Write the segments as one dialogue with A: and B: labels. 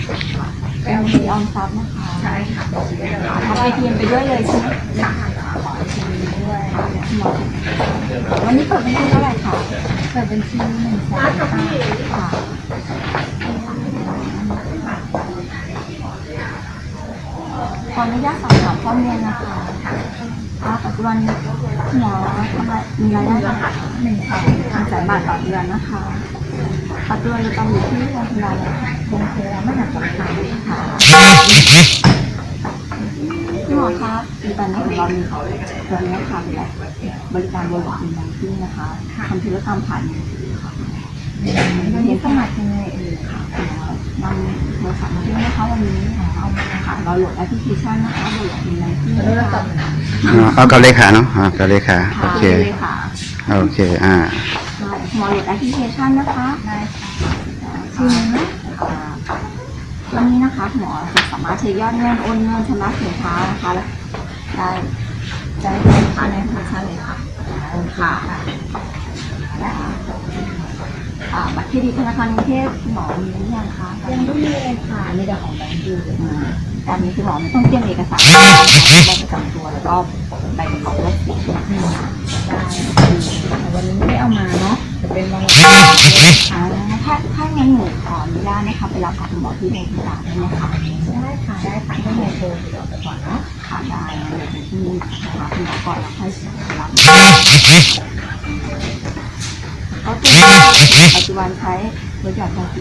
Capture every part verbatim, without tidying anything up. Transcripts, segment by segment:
A: เป็นบัญชีออมทรัพย์นะคะใช่ค่ะทำไอทีเอ็มไปด้วยเลยใช่ไหมค่ะขอไอทีเอ็มด้วยวันนี้เปิดบัญชีเท่าไหร่คะเปิดบัญชีหนึ่งแสนค่ะขออนุญาตสอบถามข้อมูลนะคะปัจจุบันหมอทำไมมีรายได้นะคะหนึ่งแสนหนึ่งแสนบาทต่อเดือนนะคะปัจจุบันเราต้องอยู่ที่โรงพยาบาลโรงพยาบาลมหาสารคามค่ะพี่หมอครับในตอนนี้ของเรามีตัวนี้ค่ะบริการบนหลักอินแบงกิ้งนะคะทำธุรกรรมผ่านมือถือค่ะวันนี้สมัครยังไงเอ่ยค่ะนำโทรศัพท์มาด้วยนะคะวันนี้เอาค่ะเราโหลดแอปพลิเคชันนะคะบนหลักอินแบงกิ้งนะคะ
B: เอากับเลขาเนาะอ่ากับเลขาโอเคโอเคอ่า
A: หมอโหลดแอปพลิเคชันนะคะได้ชื่อนะวันนี้นะคะหมอจะสามารถเช็คยอดเงินโอนเงินชำระสินค้านะคะได้ได้เลยค่ะในธนาคารเลยค่ะค่ะบัตรเครดิตธนาคารกรุงเทพหมอมีหรือยังคะยังไม่มีเลยค่ะมีแต่ของแบงก์ยูตอนนี้คือหมอไม่ต้องเตรียมเอกสารใบประจำตัวแล้วก็ใบประกอบรถสีได้วันนี้ไม่ได้เอามาเนาะจะเป็นวันถ้าถ้างั้นหนูขออนุญาตนะคะไปรับกับคุณหมอที่โรงพยาบาลได้ไหมคะได้ค่ะได้ค่ะต้องโทรติดต่อไปก่อนเนาะค่ะได้เดี๋ยวที่หาคุณหมอก่อนแล้วค่อยรับก็คือปัจจุบันใช้บริการภาษี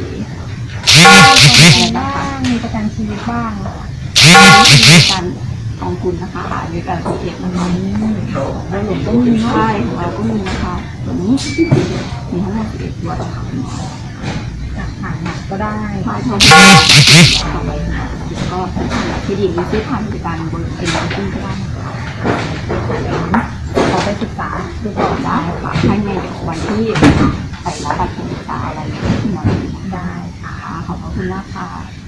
A: บ้างมีประกันชีวิตบ้างมีการกองทุนนะคะมีการเก็บเงินแล้วหลวงก็มีใช่เราก็มีนะคะตัวนี้มีทั้งหมดสิบเอ็ดตัวต่อครั้งจากผ่านหนักก็ได้ผ่านทองต่อไปก็ที่ดินมีซื้อผ่านบริการบนเป็นบัญชีก็ได้นะคะขอไปศึกษาดูก่อนได้ค่ะให้ในวันที่ไปรับบัตรศึกษาอะไรที่หมอได้ค่ะขอบคุณมากค่ะ